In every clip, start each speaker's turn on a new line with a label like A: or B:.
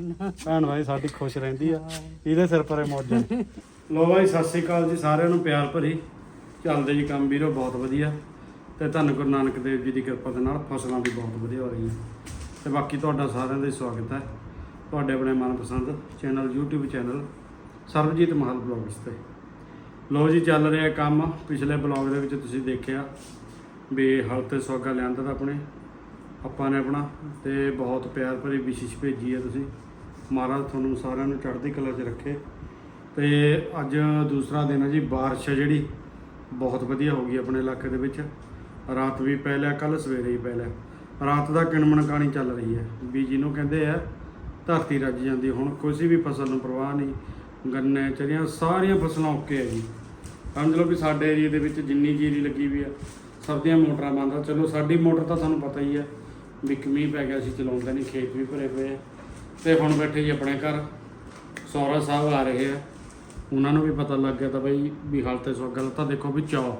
A: ਭੈਣ ਭਾਈ ਸਾਡੀ ਖੁਸ਼ ਰਹਿੰਦੀ ਆ ਇਹਦੇ ਸਿਰ ਪਰੇ ਮੌਜਾਂ। ਲੋ ਭਾਈ ਸਤਿ ਸ੍ਰੀ ਅਕਾਲ ਜੀ ਸਾਰਿਆਂ ਨੂੰ ਪਿਆਰ ਭਰੀ। ਚੱਲਦੇ ਜੀ ਕੰਮ ਵੀਰੋ ਬਹੁਤ ਵਧੀਆ ਤੇ ਧੰਨ ਗੁਰੂ ਨਾਨਕ ਦੇਵ ਜੀ ਦੀ ਕਿਰਪਾ ਦੇ ਨਾਲ ਫਸਲਾਂ ਵੀ ਬਹੁਤ ਵਧੀਆ ਹੋ ਰਹੀਆਂ ਤੇ ਬਾਕੀ ਤੁਹਾਡਾ ਸਾਰਿਆਂ ਦਾ ਸਵਾਗਤ ਹੈ ਤੁਹਾਡੇ ਆਪਣੇ ਮਨਪਸੰਦ ਚੈਨਲ YouTube ਚੈਨਲ ਸਰਬਜੀਤ ਮਹਲ ਬਲੌਗਸ ਤੇ। ਲੋ ਜੀ ਚੱਲ ਰਿਹਾ ਕੰਮ। ਪਿਛਲੇ ਬਲੌਗ ਦੇ ਵਿੱਚ ਤੁਸੀਂ ਦੇਖਿਆ ਵੀ ਹਲ ਤੇ ਸੌਗਾ ਲਿਆਂਦਾ ਤਾਂ ਆਪਣੇ ਆਪਾਂ ਨੇ ਆਪਣਾ ਤੇ ਬਹੁਤ ਪਿਆਰ ਭਰੀ ਵਿਸ਼ੇਸ਼ ਭੇਜੀ ਹੈ ਤੁਸੀਂ। ਮਹਾਰਾਜ ਤੁਹਾਨੂੰ ਸਾਰਿਆਂ ਨੂੰ ਚੜ੍ਹਦੀ ਕਲਾ 'ਚ ਰੱਖੇ। ਤੇ ਅੱਜ ਦੂਸਰਾ ਦਿਨ ਹੈ ਜੀ। ਬਾਰਿਸ਼ ਹੈ ਜਿਹੜੀ ਬਹੁਤ ਵਧੀਆ ਹੋ ਗਈ ਆਪਣੇ ਇਲਾਕੇ ਦੇ ਵਿੱਚ। ਰਾਤ ਵੀ ਪੈ ਲਿਆ, ਕੱਲ ਸਵੇਰੇ ਹੀ ਪੈ ਲਿਆ। ਰਾਤ ਦਾ ਕਿਣਮਣ ਕਾਣੀ ਚੱਲ ਰਹੀ ਹੈ ਵੀ ਜਿਹਨੂੰ ਕਹਿੰਦੇ ਆ ਧਰਤੀ ਰੱਜ ਜਾਂਦੀ। ਹੁਣ ਕਿਸੇ ਵੀ ਫਸਲ ਨੂੰ ਪਰਵਾਹ ਨਹੀਂ, ਗੰਨੇ ਚਰੀਆਂ ਸਾਰੀਆਂ ਫਸਲਾਂ ਓਕੇ ਹੈ ਜੀ। ਸਮਝ ਲਓ ਵੀ ਸਾਡੇ ਏਰੀਏ ਦੇ ਵਿੱਚ ਜਿੰਨੀ ਜੀਰੀ ਲੱਗੀ ਵੀ ਆ ਸਭ ਦੀਆਂ ਮੋਟਰਾਂ ਬੰਦ ਆ। ਚਲੋ ਸਾਡੀ ਮੋਟਰ ਤਾਂ ਤੁਹਾਨੂੰ ਪਤਾ ਹੀ ਹੈ ਵੀ ਮੀਂਹ ਪੈ ਗਿਆ ਸੀ, ਚਲਾਉਂਦੇ ਨਹੀਂ, ਖੇਤ ਵੀ ਭਰੇ ਪਏ ਆ। ਤੇ ਹੁਣ ਬੈਠੇ ਜੀ ਆਪਣੇ ਘਰ। ਸਹੁਰਾ ਸਾਹਿਬ ਆ ਰਹੇ ਆ, ਉਹਨਾਂ ਨੂੰ ਵੀ ਪਤਾ ਲੱਗ ਗਿਆ ਤਾਂ ਬਈ ਵੀ ਹਾਲ ਤੇ ਸੋ ਗੱਲ ਤਾਂ ਦੇਖੋ ਵੀ ਚਾਅ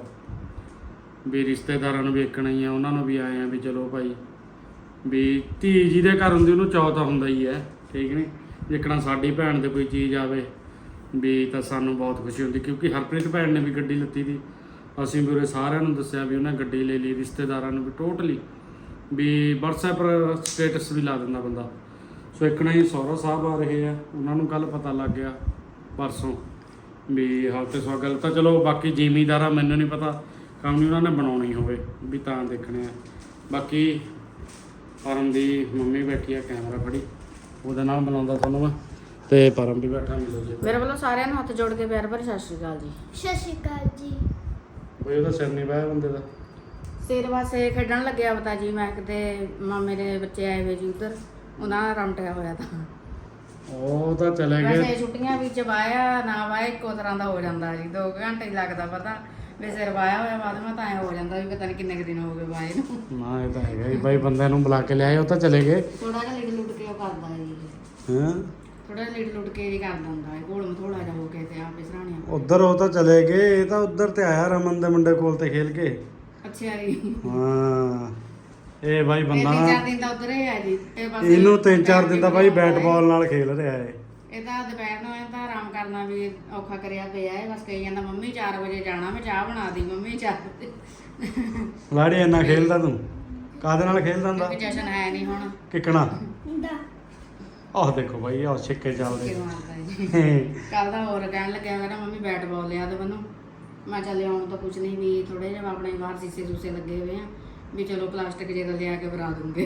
A: ਵੀ ਰਿਸ਼ਤੇਦਾਰਾਂ ਨੂੰ ਵੇਖਣਾ ਹੀ ਆ, ਉਹਨਾਂ ਨੂੰ ਵੀ ਆਏ ਆ ਵੀ ਚਲੋ ਭਾਈ ਵੀ ਧੀ ਜਿਹਦੇ ਘਰ ਹੁੰਦੀ ਉਹਨੂੰ ਚਾਅ ਤਾਂ ਹੁੰਦਾ ਹੀ ਹੈ, ਠੀਕ ਨਹੀਂ। ਜੇਕਣਾ ਸਾਡੀ ਭੈਣ ਦੇ ਕੋਈ ਚੀਜ਼ ਆਵੇ ਵੀ ਤਾਂ ਸਾਨੂੰ ਬਹੁਤ ਖੁਸ਼ੀ ਹੁੰਦੀ, ਕਿਉਂਕਿ ਹਰਪ੍ਰੀਤ ਭੈਣ ਨੇ ਵੀ ਗੱਡੀ ਲਿੱਤੀ ਸੀ। ਅਸੀਂ ਵੀ ਉਰੇ ਸਾਰਿਆਂ ਨੂੰ ਦੱਸਿਆ ਵੀ ਉਹਨੇ ਗੱਡੀ ਲੈ ਲਈ, ਰਿਸ਼ਤੇਦਾਰਾਂ ਨੂੰ ਵੀ ਟੋਟਲੀ ਵੀ WhatsApp ਪਰ ਸਟੇਟਸ ਵੀ ਲਾ ਦਿੰਦਾ ਬੰਦਾ। ਸੋ ਇੱਕਣਾ ਹੀ ਸਹੁਰਾ ਸਾਹਿਬ ਆ ਰਹੇ ਆ, ਉਹਨਾਂ ਨੂੰ ਕੱਲ ਪਤਾ ਲੱਗ ਗਿਆ ਪਰਸੋਂ ਵੀ ਹਾਲ ਤੇ ਸੋ ਗੱਲ ਤਾਂ ਚਲੋ ਬਾਕੀ ਜ਼ਿਮੀਂਦਾਰਾਂ ਮੈਨੂੰ ਨਹੀਂ ਪਤਾ, ਕੰਮ ਨਹੀਂ ਉਹਨਾਂ ਨੇ ਬਣਾਉਣਾ ਹੀ ਹੋਵੇ ਵੀ ਤਾਂ ਦੇਖਣੇ ਆ। ਬਾਕੀ ਪਰਮ ਦੀ ਮੰਮੀ ਬੈਠੀ ਆ ਕੈਮਰਾ ਫੜੀ, ਉਹਦੇ ਨਾਲ ਬਣਾਉਂਦਾ ਤੁਹਾਨੂੰ ਮੈਂ। ਤੇ ਪਰਮ ਵੀ ਬੈਠਾ, ਮਿਲੋ ਜੀ
B: ਮੇਰੇ ਵੱਲੋਂ ਸਾਰਿਆਂ ਨੂੰ ਹੱਥ ਜੋੜ ਕੇ ਪਿਆਰ ਭਰੀ ਸਤਿ ਸ਼੍ਰੀ ਅਕਾਲ ਜੀ।
C: ਸਤਿ ਸ਼੍ਰੀ ਅਕਾਲ ਜੀ।
A: ਬਈ ਉਹਦਾ ਸਿਰ ਨਹੀਂ ਵਾਇਆ ਬੰਦੇ ਦਾ।
B: ਸਿਰ ਵਾਸੇ ਖੇਡਣ ਲੱਗਿਆ ਪਤਾ ਜੀ। ਮੈਂ ਕਿਤੇ ਮਾਮੇ ਦੇ ਬੱਚੇ ਆਏ ਹੋਏ ਜੀ ਉੱਧਰ, ਉਹਨਾਂ ਦਾ ਰਮਟਿਆ ਹੋਇਆ ਤਾਂ
A: ਉਹ ਤਾਂ ਚਲੇ ਗਏ।
B: ਵੈਸੇ ਛੁੱਟੀਆਂ ਵਿੱਚ ਵਾਇਆ ਨਾ ਵਾਇਆ ਇੱਕੋ ਤਰ੍ਹਾਂ ਦਾ ਹੋ ਜਾਂਦਾ ਜੀ। 2 ਘੰਟੇ ਹੀ ਲੱਗਦਾ ਪਤਾ ਵੀ ਸਿਰ ਵਾਇਆ ਹੋਇਆ, ਬਾਅਦ ਵਿੱਚ ਤਾਂ ਐਂ ਹੋ ਜਾਂਦਾ ਵੀ ਪਤਾ ਨਹੀਂ ਕਿੰਨੇ ਕੁ ਦਿਨ ਹੋ ਗਏ ਵਾਏ ਨੂੰ।
A: ਨਾ ਇਹ ਤਾਂ ਹੈਗਾ ਹੀ ਬਾਈ, ਬੰਦਿਆਂ ਨੂੰ ਬੁਲਾ ਕੇ ਲਿਆਏ, ਉਹ ਤਾਂ ਚਲੇ ਗਏ।
B: ਥੋੜਾ ਜਿਹਾ ਲਿਟ ਲੁੱਟ ਕੇ ਉਹ ਕਰਦਾ ਜੀ।
A: ਹਾਂ
B: ਥੋੜਾ ਜਿਹਾ ਲਿਟ ਲੁੱਟ ਕੇ ਜੀ ਕਰਦਾ ਹੁੰਦਾ ਹੈ, ਘੋਲ ਮਥੋੜਾ ਜਿਹਾ ਹੋ ਕੇ ਤੇ ਆਪੇ ਸਰਾਣੀਆਂ।
A: ਉਧਰ ਉਹ ਤਾਂ ਚਲੇ ਗਏ, ਇਹ ਤਾਂ ਉਧਰ ਤੇ ਆਇਆ ਰਮਨ ਦੇ ਮੁੰਡੇ ਕੋਲ ਤੇ ਖੇਲ ਕੇ।
B: ਅੱਛਾ ਜੀ।
A: ਹਾਂ ਇਹ ਬਾਈ ਬੰਦਾ
B: 3-4 ਦਿਨ ਤਾਂ ਉਧਰ ਹੀ ਆ ਜੀ। ਇਹ ਬਸ
A: ਇਹਨੂੰ 3-4 ਦਿਨ ਦਾ ਬਾਈ ਬੈਟ ਬਾਲ ਨਾਲ ਖੇਲ ਰਿਹਾ ਏ।
B: ਇਹ ਤਾਂ ਦੁਪਹਿਰ ਨੂੰ ਤਾਂ ਆਰਾਮ ਕਰਨਾ ਵੀ ਔਖਾ ਕਰਿਆ ਪਿਆ ਹੈ। ਬਸ ਕਹੀ ਜਾਂਦਾ ਮੰਮੀ 4 ਵਜੇ ਜਾਣਾ, ਮੈਂ ਚਾਹ ਬਣਾ ਦੀ ਮੰਮੀ 4 ਵਜੇ।
A: ਲਾੜੀ ਇੰਨਾ ਖੇਲਦਾ ਤੂੰ? ਕਾਹਦੇ ਨਾਲ ਖੇਲਦਾ ਹੁੰਦਾ?
B: ਕਿਉਂਕਿ ਜਸ਼ਨ ਹੈ ਨਹੀਂ ਹੁਣ।
A: ਕਿਕਣਾ
C: ਦਾ
A: ਆਹ ਦੇਖੋ ਬਾਈ, ਆਹ ਛਿੱਕੇ ਚੱਲਦੇ।
B: ਕਿਉਂ ਆਉਂਦਾ ਜੀ। ਕੱਲ ਦਾ ਹੋਰ ਕਹਿਣ ਲੱਗਿਆ ਕਹਿੰਦਾ ਮੰਮੀ ਬੈਟ ਬਾਲ ਲਿਆ ਦੇ ਮੈਨੂੰ। ਮੈਂ ਚੱਲ ਆਉਣ ਤਾਂ ਕੁਝ ਨਹੀਂ ਵੀ ਥੋੜੇ ਜਿਹਾ ਆਪਣੇ ਬਾਹਰ ਸੀਸੇ ਸੂਸੇ ਲੱਗੇ ਹੋਏ ਆ ਵੀ ਚਲੋ ਪਲਾਸਟਿਕ ਜੇ ਦਾ ਲਿਆ ਕੇ ਬਣਾ ਦੂੰਗੇ।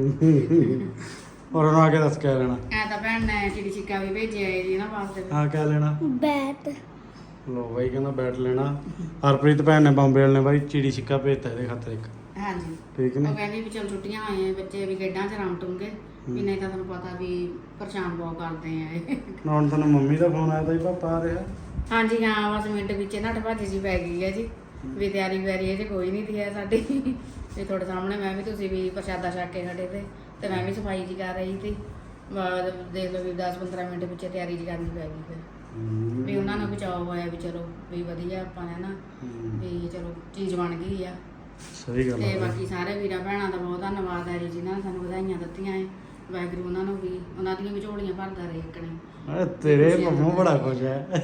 A: ਔਰ ਉਹਨੂੰ ਆ ਕੇ ਦੱਸ ਕਿਆ ਲੈਣਾ?
B: ਐ ਤਾਂ ਭੈਣ ਨੇ ਚਿੜੀ ਛਿੱਕਾ ਵੀ ਭੇਜਿਆ ਹੈ ਜੀ ਨਾ ਵਾਸਤੇ।
A: ਹਾਂ ਕਿਆ ਲੈਣਾ?
C: ਬੈਟ।
A: ਲੋ ਬਾਈ ਕਹਿੰਦਾ ਬੈਟ ਲੈਣਾ। ਹਰਪ੍ਰੀਤ ਭੈਣ ਨੇ ਬੰਬੇ ਵਾਲੇ ਨੇ ਬਾਈ ਚਿੜੀ ਛਿੱਕਾ ਭੇਜਤਾ ਇਹਦੇ ਖਾਤਰ ਇੱਕ।
B: ਹਾਂਜੀ
A: ਠੀਕ
B: ਉਹ
A: ਨੇ।
B: ਕਹਿੰਦੀ ਵੀ ਚਲ ਛੁੱਟੀਆਂ ਆਏ ਬੱਚੇ ਵੀ ਖੇਡਾਂ 'ਚ ਰਮਟੂਗੇ ਵੀ ਨਹੀਂ ਤਾਂ ਤੁਹਾਨੂੰ ਪਤਾ ਵੀ ਪਰੇਸ਼ਾਨ ਬਹੁਤ ਕਰਦੇ ਆ ਇਹ।
A: ਹੁਣ ਤੁਹਾਨੂੰ ਮੰਮੀ ਦਾ ਫੋਨ ਆਇਆ ਤਾਂ ਜੀ ਪਾਪਾ ਆ ਰਿਹਾ।
B: ਹਾਂਜੀ ਹਾਂ ਬਸ ਮਿੰਟ ਵਿੱਚ ਨੱਠ ਭੱਜ ਜੀ ਪੈ ਗਈ ਹੈ ਜੀ ਵੀ ਤਿਆਰੀ ਵੈਰੀ ਇਹ ਕੋਈ ਨਹੀਂ ਦੀ ਹੈ ਸਾਡੀ। ਤੇ ਤੁਹਾਡੇ ਸਾਹਮਣੇ ਮੈਂ ਵੀ ਤੁਸੀਂ ਵੀ ਪ੍ਰਸ਼ਾਦਾ ਛਕ ਕੇ ਖੜੇ ਤੇ ਮੈਂ ਵੀ ਸਫਾਈ ਜੀ ਕਰ ਰਹੀ ਸੀ। ਦੇਖ ਲਓ ਵੀ 10-15 ਮਿੰਟ ਵਿੱਚ ਤਿਆਰੀ ਜੀ ਕਰਨੀ ਪੈ ਗਈ ਫਿਰ ਵੀ ਉਹਨਾਂ ਨੂੰ ਬਚਾਓ ਹੋਇਆ ਵੀ ਚਲੋ ਵੀ ਵਧੀਆ ਆਪਾਂ ਹੈ ਨਾ ਵੀ ਚਲੋ ਚੀਜ਼ ਬਣ ਗਈ ਆ।
A: ਸਹੀ ਗੱਲ
B: ਤੇ
A: ਹੈ।
B: ਬਾਕੀ ਸਾਰੇ ਵੀਰਾਂ ਭੈਣਾਂ ਦਾ ਬਹੁਤ ਧੰਨਵਾਦ ਹੈ ਜੀ ਜਿਨ੍ਹਾਂ ਨੇ ਸਾਨੂੰ ਵਧਾਈਆਂ ਦਿੱਤੀਆਂ ਹੈ। ਵਾਹਿਗੁਰੂ ਉਹਨਾਂ ਨੂੰ ਵੀ ਉਹਨਾਂ ਦੀਆਂ ਵੀ ਝੋਲੀਆਂ ਭਰਦਾ ਰਹੇ ਇੱਕਣੇ।
A: ਤੇਰੇ ਪੰਮੂ ਬੜਾ ਖੁਸ਼ ਹੈ।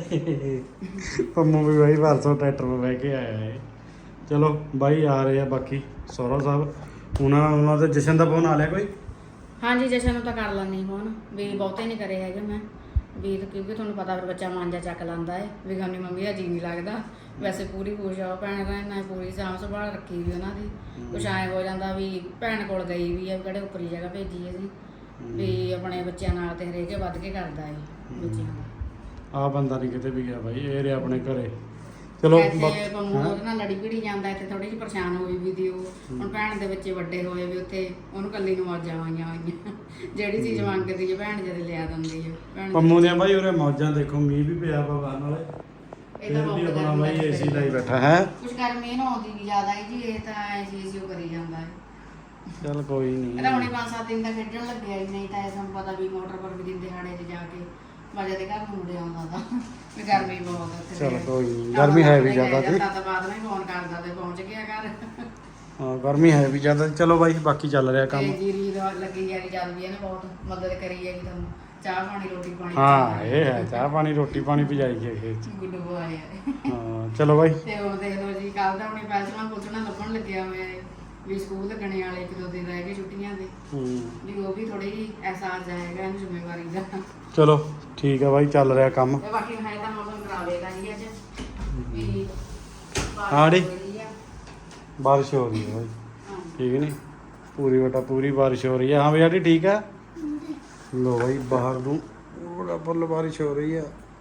A: ਪੰਮੂ ਵੀ ਬਾਈ ਪਰਸੋਂ ਟਰੈਕਟਰ 'ਤੇ ਬਹਿ ਕੇ ਆਇਆ ਹੈ। ਚਲੋ ਬਾਈ ਆ ਰਹੇ ਆ ਬਾਕੀ ਸਹੁਰਾ ਸਾਹਿਬ। ਉਹਨਾਂ ਦੇ ਜਸ਼ਨ ਦਾ ਫੋਨ ਆ ਲਿਆ ਕੋਈ?
B: ਹਾਂਜੀ ਜਸ਼ਨ ਨੂੰ ਤਾਂ ਕਰ ਲੈਂਦੀ ਫੋਨ ਵੀ ਬਹੁਤੇ ਨਹੀਂ ਕਰੇ ਹੈਗੇ ਮੈਂ ਵੀ ਕਿਉਂਕਿ ਤੁਹਾਨੂੰ ਪਤਾ ਫਿਰ ਬੱਚਾ ਮਾਂਜਾ ਚੱਕ ਲੈਂਦਾ ਹੈ ਵੀ ਗਾਮੀ ਮੰਮੀ ਦਾ ਜੀ ਨਹੀਂ ਲੱਗਦਾ। ਵੈਸੇ ਪੂਰੀ ਖੁਸ਼ ਆ ਭੈਣ ਭੈਣ ਪੂਰੀ ਸਾਂਭ ਸੰਭਾਲ ਰੱਖੀ ਵੀ ਉਹਨਾਂ ਦੀ। ਕੁਛ ਐਂ ਹੋ ਜਾਂਦਾ ਵੀ ਭੈਣ ਕੋਲ ਗਈ ਵੀ ਆ ਕਿਹੜੇ ਉੱਪਰੀ ਜਗ੍ਹਾ ਭੇਜੀ ਅਸੀਂ ਵੀ ਆਪਣੇ ਬੱਚਿਆਂ ਨਾਲ ਤੇ ਹਰੇਕ ਵੱਧ ਕੇ ਕਰਦਾ ਹੈ ਬੱਚਿਆਂ ਦਾ।
A: ਆ ਬੰਦਾ ਨਹੀਂ ਕਿਤੇ ਵੀ ਗਿਆ ਬਾਈ, ਇਹ ਰਿਹਾ ਆਪਣੇ ਘਰੇ। ਚਲੋ
B: ਵੈਸੇ ਪੰਮੂ ਉਹਦੇ ਨਾਲ ਲੜੀ ਭਿੜੀ ਜਾਂਦਾ ਇੱਥੇ ਥੋੜੀ ਜਿਹੀ ਪਰੇਸ਼ਾਨ ਹੋਈ ਵੀ ਦੀ ਉਹ। ਹੁਣ ਭੈਣ ਦੇ ਬੱਚੇ ਵੱਡੇ ਹੋਏ ਵੀ ਉੱਥੇ ਉਹਨੂੰ ਕੱਲੀ ਨੂੰ ਮੌਜਾਂ ਆਈਆਂ ਹੋਈਆਂ। ਜਿਹੜੀ ਚੀਜ਼ ਮੰਗਦੀ ਹੈ ਭੈਣ ਜਦ ਲਿਆ ਦਿੰਦੀ ਹੈ ਭੈਣ।
A: ਪੰਮੂ ਦੀਆਂ ਬਾਈ ਉਰੇ ਮੌਜਾਂ ਦੇਖੋ, ਮੀਂਹ ਵੀ ਪਿਆ ਬਾਬਾ ਨਾਲੇ।
B: ਇਹ ਤਾਂ
A: ਵੀ
B: ਬਹੁਤ
A: ਆਪਣਾ ਬਾਈ
B: ਗਰਮੀ
A: ਏਸੀ ਲਾਈ ਬੈਠਾ ਹੈ।
B: ਕੁਛ ਗਰਮੀ ਨਾ ਆਉਂਦੀ ਨਹੀਂ ਜ਼ਿਆਦਾ ਹੈ ਜੀ। ਇਹ ਤਾਂ ਐਸੀ ਉਹ ਕਰੀ ਜਾਂਦਾ ਹੈ।
A: ਚੱਲ ਕੋਈ ਨਹੀਂ।
B: ਇਹਦਾ ਹੁਣੇ 5-7 ਦਿਨ ਦਾ ਖੇਡਣ ਲੱਗਿਆ ਹੀ ਨਹੀਂ ਤਾਂ ਇਹ ਸਾਨੂੰ ਪਤਾ ਵੀ ਮੋਟਰ ਪਰ ਵੀ ਦਿਨ ਦਿਹਾੜੇ 'ਚ ਜਾ ਕੇ ਮਜ਼ੇ ਦੇ ਘਰ ਨੂੰ ਮੁੜੇ ਆਉਂਦਾ ਤਾਂ ਵੀ ਗਰਮੀ ਬਹੁਤ ਉੱਥੇ।
A: ਚਲ ਕੋਈ ਨਹੀਂ, ਗਰਮੀ ਹੈ ਵੀ ਜ਼ਿਆਦਾ ਜੀ।
B: ਤਾਂ ਬਾਅਦ ਵਿੱਚ ਫੋਨ ਕਰਦਾ ਤੇ ਪਹੁੰਚ ਗਿਆ ਘਰ।
A: ਹਾਂ ਗਰਮੀ ਹੈ ਵੀ ਜ਼ਿਆਦਾ। ਚਲੋ ਬਾਈ ਬਾਕੀ ਚੱਲ ਰਿਹਾ ਕੰਮ।
B: ਤੇ ਜੀਰੀ ਲੱਗੀ ਯਾਰੀ ਚੱਲ ਵੀ ਇਹਨੇ ਬਹੁਤ ਮਦਦ ਕਰੀ ਹੈ ਜੀ ਤੁਹਾਨੂੰ। ਚਾਹ ਪਾਣੀ ਰੋਟੀ ਪਾਣੀ
A: ਹਾਂ ਇਹ ਹੈ ਚਾਹ ਪਾਣੀ ਰੋਟੀ ਪਾਣੀ ਪਜਾਈ ਕੇ ਖੇਤ ਚ।
B: ਗੁੱਡ ਬੋਏ ਹੈ
A: ਹਾਂ ਚਲੋ ਬਾਈ
B: ਤੇ ਉਹ ਦੇਖ ਲਓ ਜੀ ਕੱਲ ਤਾਂ ਆਪਣੀ ਪੈਸਣਾ ਪੁੱਛਣਾ ਲੱਭਣ ਲੱਗਿਆ ਹੋਇਆ ਹੈ ਵੀ ਸਕੂਲ ਲੱਗਣੇ ਵਾਲੇ 1-2 ਦਿਨ ਰਹਿ ਗਏ ਛੁੱਟੀਆਂ ਦੇ ਵੀ ਉਹ ਵੀ ਥੋੜੀ ਜਿਹੀ ਅਹਿਸਾਸ ਜਾਏਗਾ ਇਹਨੂੰ ਜ਼ਿੰਮੇਵਾਰੀ ਦਾ
A: ਚਲੋ ਠੀਕ ਆ ਬਾਈ ਚੱਲ ਰਿਹਾ ਕੰਮ।
B: ਤੇ ਬਾਕੀ ਹੈ ਤਾਂ ਮੌਸਮ ਖਰਾਬ ਹੈਗਾ ਜੀ ਅੱਜ ਵੀ
A: ਹਾਂ ਡੀ।
B: ਬਾਰਿਸ਼ ਹੋ ਰਹੀ ਆ।
A: ਬਾਰਿਸ਼ ਹੋ ਰਹੀ ਹੈ ਬਾਈ
B: ਹਾਂ।
A: ਠੀਕ ਨਹੀਂ ਪੂਰੀ ਬਟਾ ਪੂਰੀ ਬਾਰਿਸ਼ ਹੋ ਰਹੀ ਹੈ। ਹਾਂ ਬਈ ਠੀਕ ਹੈ। ਲੋ ਬਾਈ ਬਾਹਰ ਨੂੰ ਬੜਾ ਫੁੱਲ ਬਾਰਿਸ਼ ਹੋ ਰਹੀ ਹੈ।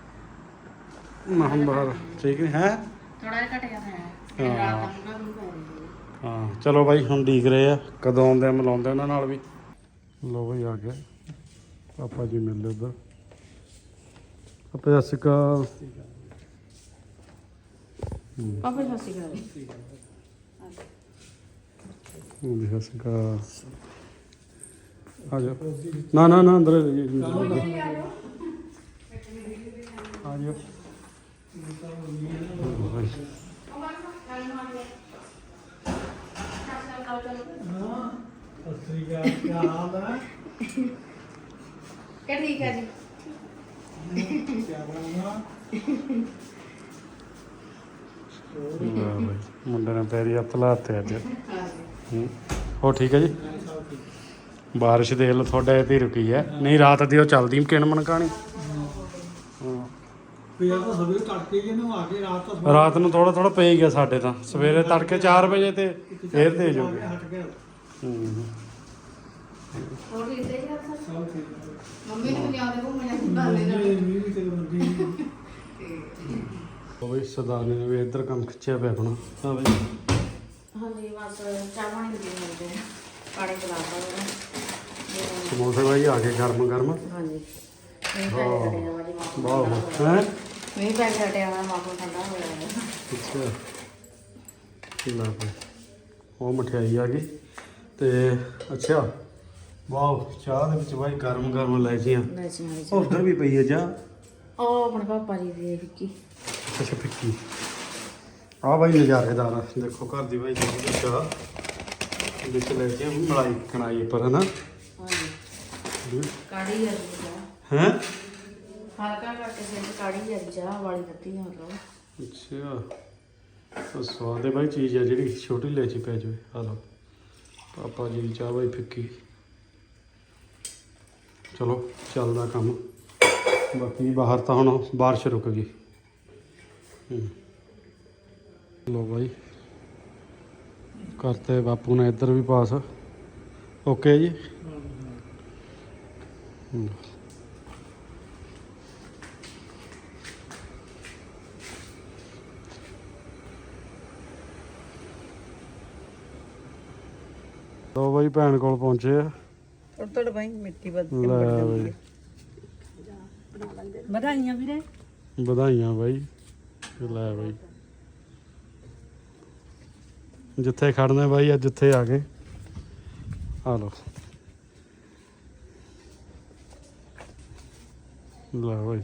A: ਮਹਾਂ ਬਾਹਰ ਠੀਕ ਨਹੀਂ ਹੈ।
B: ਥੋੜਾ ਜਿਹਾ ਘਟ ਗਿਆ ਤਾਂ ਹੈ ਰਾਤ ਤੱਕ ਨਾ ਪੈ ਰਹੀ ਹੈ।
A: ਹਾਂ ਚਲੋ ਬਾਈ ਹੁਣ ਦੇਖ ਰਹੇ ਆ ਕਦੋਂ ਆਉਂਦੇ ਆ ਮਿਲਾਉਂਦੇ ਉਹਨਾਂ ਨਾਲ ਵੀ। ਲੋ ਬਾਈ ਆ ਗਿਆ ਪਾਪਾ ਜੀ ਮਿਲਦੇ ਉੱਧਰ। ਪਾਪਾ ਸਤਿ ਸ਼੍ਰੀ ਅਕਾਲ।
B: ਪਾਪਾ ਸਤਿ ਸ਼੍ਰੀ ਅਕਾਲ
A: ਸਤਿ ਸ਼੍ਰੀ ਅਕਾਲ। ਆ ਜਾ ਨਾ ਨਾ ਨਾ ਅੰਦਰ ਆ ਜਾ।
B: क्या ठीक है जी
A: ਮੁੰਡੇ ਨੇ ਪੈਰੀ ਹੱਥ ਲਾਤੇ ਅੱਜ। ਹੋ ਠੀਕ ਹੈ ਜੀ। ਬਾਰਿਸ਼ ਦੇਖ ਲਓ ਤੁਹਾਡੇ ਤੇ ਰੁਕੀ ਹੈ ਨਹੀਂ ਰਾਤ ਦੀ ਉਹ ਚੱਲਦੀ ਕਿਣਮਣ ਕਹਾਣੀ। ਰਾਤ ਨੂੰ ਥੋੜਾ ਥੋੜਾ ਪਈ ਗਿਆ ਸਾਡੇ ਤਾਂ ਸਵੇਰੇ ਤੜਕੇ 4 ਵਜੇ ਤੇ ਫੇਰ ਤੇਜ਼ ਹੋ ਗਿਆ।
B: और ठीक है जी मम्मी ने भी आने को मैं बाले
A: ਉਹ ਵੀ ਸਰਦਾਰਨੀ ਨੇ ਵੀ ਇੱਧਰ ਕੰਮ ਖਿੱਚਿਆ ਪਿਆ ਆਪਣਾ। ਹਾਂ ਬਈ
B: हाँ जी बस चाय पानी पी लेते हैं पानी पिलाता है
A: ਸਮੋਸੇ ਬਾਈ ਆ ਗਏ ਗਰਮ ਗਰਮ।
B: हाँ जी नहीं पैक कटे हैं वाली मां
A: ਵਾਹ ਹੈ
B: नहीं पैक कटे हैं मां ठंडा हो गया है
A: ਅੱਛਾ ਲੈ ਭਾਈ ਉਹ ਮਠਿਆਈ ਆ ਗਈ ਤੇ ਅੱਛਾ ਵਾਹ ਚਾਹ ਦੇ ਵਿੱਚ ਬਾਈ ਗਰਮ ਗਰਮ ਇਲਾਇਚੀਆਂ
B: वैसे हमारी
A: ਉਧਰ ਵੀ ਪਈ ਹੈ ਚਾਹ।
B: ओ अपने पापा जी दी विक्की
A: ਅੱਛਾ ਫਿੱਕੀ ਆ ਬਾਈ ਨਜ਼ਾਰੇਦਾਰ ਆ ਦੇਖੋ ਘਰ ਦੀ ਬਾਈ ਜਿਹੜੀ ਚਾਹ ਵਿੱਚ ਲੈ ਕੇ ਮਲਾਈ ਕਣਾਈ ਉੱਪਰ ਹੈ ਨਾ।
B: हाँ जी काढ़ी है जी
A: ਹੈ
B: हल्का करके से काढ़ी है चाह वाली पत्ती है मतलब
A: ਅੱਛਾ ਤਾਂ ਸਵਾਦ ਹੈ ਬਾਈ ਚੀਜ਼ ਆ ਜਿਹੜੀ ਛੋਟੀ ਇਲਾਇਚੀ ਪੈ ਜਾਵੇ। ਆ ਲਓ ਪਾਪਾ ਜੀ ਦੀ ਚਾਹ ਬਾਈ ਫਿੱਕੀ। ਚਲੋ ਚੱਲਦਾ ਕੰਮ ਬਾਕੀ ਬਾਹਰ ਤਾਂ ਹੁਣ ਬਾਰਿਸ਼ ਰੁਕ ਗਈ। ਲੋ ਬਾਈ ਕਰਤੇ ਬਾਪੂ ਨੇ ਇੱਧਰ ਵੀ ਪਾਸ ਓਕੇ ਜੀ। ਲੋ ਬਾਈ ਭੈਣ ਕੋਲ ਪਹੁੰਚੇ ਆ।
C: ਥੋੜਾ ਭਾਈ ਮਿੱਟੀ ਵੱਧ
A: ਲੈ ਬਾਈ
C: ਵਧਾਈਆਂ ਵੀਰੇ।
A: ਵਧਾਈਆਂ ਬਾਈ। ਲੈ ਬਾਈ ਜਿੱਥੇ ਖੜਨੇ ਬਾਈ ਅੱਜ ਜਿੱਥੇ ਆ ਗਏ। ਆ ਲੋ ਲੈ ਬਾਈ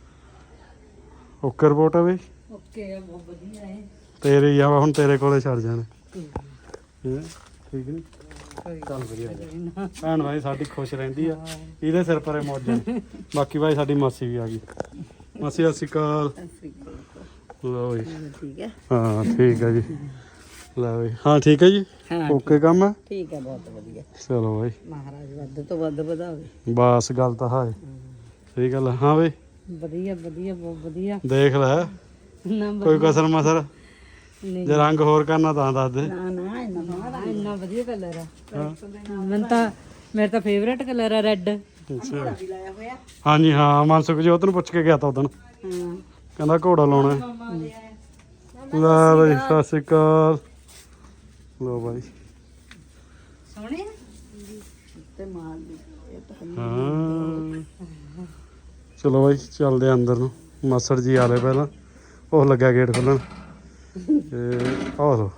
A: ਓਕੇ ਰਿਪੋਰਟ ਆ ਬਾਈ।
C: ਓਕੇ ਆ ਬਹੁਤ ਵਧੀਆ ਹੈ।
A: ਤੇਰੇ ਹੀ ਆ ਹੁਣ ਤੇਰੇ ਕੋਲੇ ਛੱਡ ਜਾਣੇ ਹੈਂ? ਠੀਕ ਨਹੀਂ ਚੱਲ ਵਧੀਆ ਭੈਣ ਭਾਈ ਸਾਡੀ ਖੁਸ਼ ਰਹਿੰਦੀ ਆ ਇਹਦੇ ਸਿਰ ਪਰੇ ਮੌਜਾਂ ਨੇ। ਬਾਕੀ ਭਾਈ ਸਾਡੀ ਮਾਸੀ ਵੀ ਆ ਗਈ। ਮਾਸੀ ਸਤਿ ਸ਼੍ਰੀ ਅਕਾਲ। ਲਓ ਜੀ
C: ਠੀਕ ਹੈ
A: ਹਾਂ ਠੀਕ ਹੈ ਜੀ। ਲੈ ਬਈ ਹਾਂ ਠੀਕ ਹੈ ਜੀ
C: ਹਾਂ
A: ਓਕੇ ਕੰਮ ਹੈ।
C: ਠੀਕ ਹੈ ਬਹੁਤ ਵਧੀਆ।
A: ਚਲੋ ਬਾਈ
C: ਮਹਾਰਾਜ ਵੱਧ ਤੋਂ ਵੱਧ ਵਧਾਵੇ।
A: ਬਸ ਗੱਲ ਤਾਂ ਹੈ ਸਹੀ ਗੱਲ ਹੈ। ਹਾਂ ਬਈ
C: ਵਧੀਆ ਵਧੀਆ ਬਹੁਤ ਵਧੀਆ।
A: ਦੇਖ ਲੈ
C: ਨਾ
A: ਕੋਈ ਕਸਰ ਮਸਰ
C: ਨਹੀਂ
A: ਜੇ ਰੰਗ ਹੋਰ ਕਰਨਾ ਤਾਂ ਦੱਸ ਦੇ।
C: ਨਾ ਨਾ ਇੰਨਾ ਵਧੀਆ ਕਲਰ ਆ। ਮੈਨੂੰ ਤਾਂ ਮੇਰਾ ਤਾਂ ਫੇਵਰੇਟ ਕਲਰ ਆ ਰੈੱਡ।
A: ਅੱਛਾ
C: ਲਾਇਆ ਹੋਇਆ।
A: ਹਾਂਜੀ ਹਾਂ ਮਨਸੁਖ ਜੀ ਉਹਨੂੰ ਪੁੱਛ ਕੇ ਗਿਆ ਤਾਂ ਉਦੋਂ
C: ਹਾਂ
A: ਕਹਿੰਦਾ ਘੋੜਾ ਲਾਉਣਾ ਹੈ। ਲੈ ਬਈ ਸਤਿ ਸ਼੍ਰੀ ਅਕਾਲ। ਲੋ ਬਾਈ
C: ਸੋਹਣੇ ਤੇ ਮਾਰ ਦੀ ਇਹ ਤਾਂ
A: ਹਾਂ ਚਲੋ ਬਾਈ ਚੱਲਦੇ ਆ ਅੰਦਰ ਨੂੰ। ਮਾਸੜ ਜੀ ਆ ਲਏ ਪਹਿਲਾਂ ਉਹ ਲੱਗਿਆ ਗੇਟ ਖੋਲ੍ਹਣ ਤੇ ਆਹ ਲੋ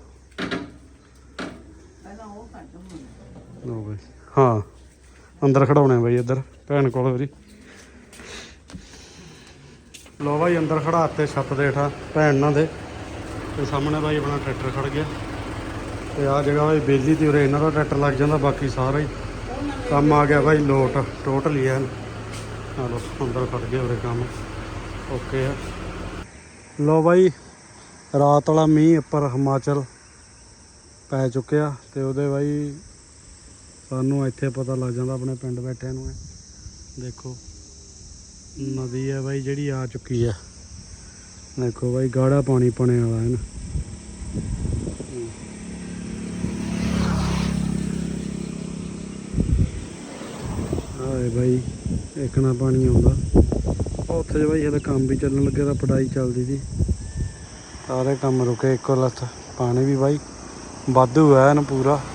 C: ਪਹਿਲਾਂ ਉਹ ਕੱਢ
A: ਲੋ ਬਾਈ ਹਾਂ ਅੰਦਰ ਖੜਾਉਣੇ ਬਾਈ ਇੱਧਰ ਭੈਣ ਕੋਲ ਵੀਰੀ। ਲੋ ਬਾਈ ਅੰਦਰ ਖੜਾਤੇ ਛੱਤ ਦੇ ਹੇਠਾਂ ਭੈਣ ਨਾਲ ਦੇ ਤੇ ਸਾਹਮਣੇ ਬਾਈ ਆਪਣਾ ਟਰੈਕਟਰ ਖੜ ਗਿਆ ਤੇ ਆਹ ਜਗ੍ਹਾ ਬਾਈ ਬੇਲੀ ਤੇ ਉਰੇ ਇਹਨਾਂ ਦਾ ਟਰੈਕਟਰ ਲੱਗ ਜਾਂਦਾ। ਬਾਕੀ ਸਾਰਾ ਹੀ ਕੰਮ ਆ ਗਿਆ ਬਾਈ ਲੋਟ ਟੋਟਲੀ ਐਨ ਚਲੋ ਅੰਦਰ ਖੜ ਗਏ ਉਰੇ ਕੰਮ ਓਕੇ ਆ। ਲੋ ਬਾਈ ਰਾਤ ਵਾਲਾ ਮੀਂਹ ਉੱਪਰ ਹਿਮਾਚਲ ਪੈ ਚੁੱਕਿਆ ਤੇ ਉਹਦੇ ਬਾਈ ਸਾਨੂੰ ਇੱਥੇ ਪਤਾ ਲੱਗ ਜਾਂਦਾ ਆਪਣੇ ਪਿੰਡ ਬੈਠਿਆਂ ਨੂੰ। ਦੇਖੋ ਨਦੀ ਹੈ ਬਾਈ ਜਿਹੜੀ ਆ ਚੁੱਕੀ ਹੈ। ਦੇਖੋ ਬਾਈ ਗਾੜਾ ਪਾਣੀ ਪਣੇ ਵਾਲਾ ਹੈ ਨਾ। ਆਏ ਬਾਈ ਇੱਕ ਨਾ ਪਾਣੀ ਆਉਂਦਾ ਉੱਥੇ ਜੇ ਬਾਈ ਹਲੇ ਕੰਮ ਵੀ ਚੱਲਣ ਲੱਗਿਆ ਤਾਂ ਪੜਾਈ ਚੱਲਦੀ ਸੀ ਸਾਰੇ ਕੰਮ ਰੁਕੇ ਇੱਕੋ ਲੱਥ। ਪਾਣੀ ਵੀ ਬਾਈ ਵਾਧੂ ਹੈ ਨਾ ਪੂਰਾ।